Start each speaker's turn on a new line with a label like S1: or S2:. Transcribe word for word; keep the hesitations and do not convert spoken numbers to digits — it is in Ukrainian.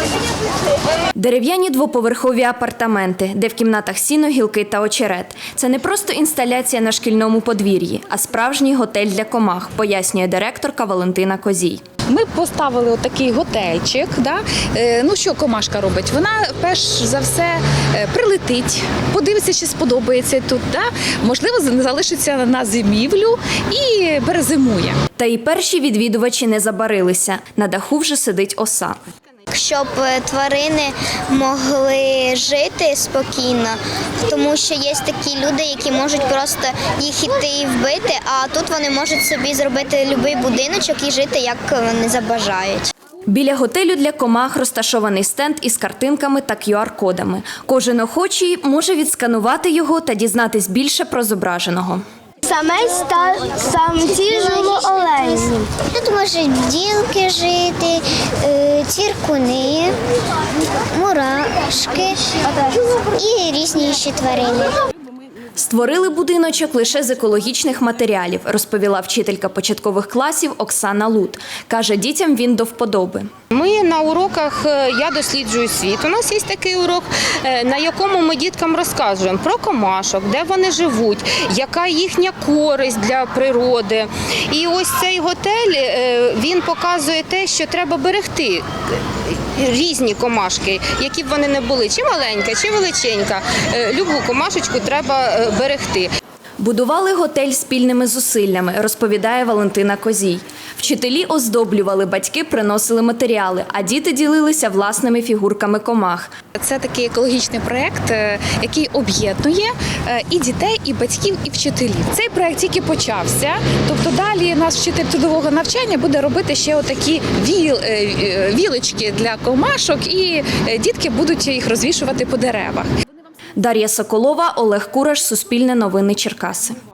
S1: Дерев'яні двоповерхові апартаменти, де в кімнатах сіно, гілки та очерет. Це не просто інсталяція на шкільному подвір'ї, а справжній готель для комах, пояснює директорка Валентина Козій.
S2: Ми поставили отакий готельчик. Да? Е, ну що комашка робить? Вона перш за все е, прилетить, подивиться, чи сподобається тут. Да? Можливо, залишиться на зимівлю і перезимує.
S1: Та і перші відвідувачі не забарилися. На даху вже сидить оса.
S3: Щоб тварини могли жити спокійно, тому що є такі люди, які можуть просто їх іти і вбити, а тут вони можуть собі зробити будь-який будиночок і жити, як вони забажають.
S1: Біля готелю для комах розташований стенд із картинками та кю ар-кодами. Кожен охочий може відсканувати його та дізнатись більше про зображеного.
S4: Самець та самці живоолені.
S3: Тут можуть бджілки жити, цвіркуни, мурашки і різні інші тварини.
S1: Створили будиночок лише з екологічних матеріалів, розповіла вчителька початкових класів Оксана Лут. Каже, дітям він до вподоби.
S5: Ми на уроках «Я досліджую світ». У нас є такий урок, на якому ми діткам розказуємо про комашок, де вони живуть, яка їхня користь для природи. І ось цей готель, він показує те, що треба берегти різні комашки, які б вони не були, чи маленька, чи величенька. Любу комашечку треба берегти.
S1: Будували готель спільними зусиллями, розповідає Валентина Козій. Вчителі оздоблювали, батьки приносили матеріали, а діти ділилися власними фігурками комах.
S2: Це такий екологічний проєкт, який об'єднує і дітей, і батьків, і вчителів. Цей проєкт тільки почався, тобто далі наш вчитель трудового навчання буде робити ще отакі віл, вілочки для комашок, і дітки будуть їх розвішувати по деревах.
S1: Дар'я Соколова, Олег Кураш, Суспільне новини Черкаси.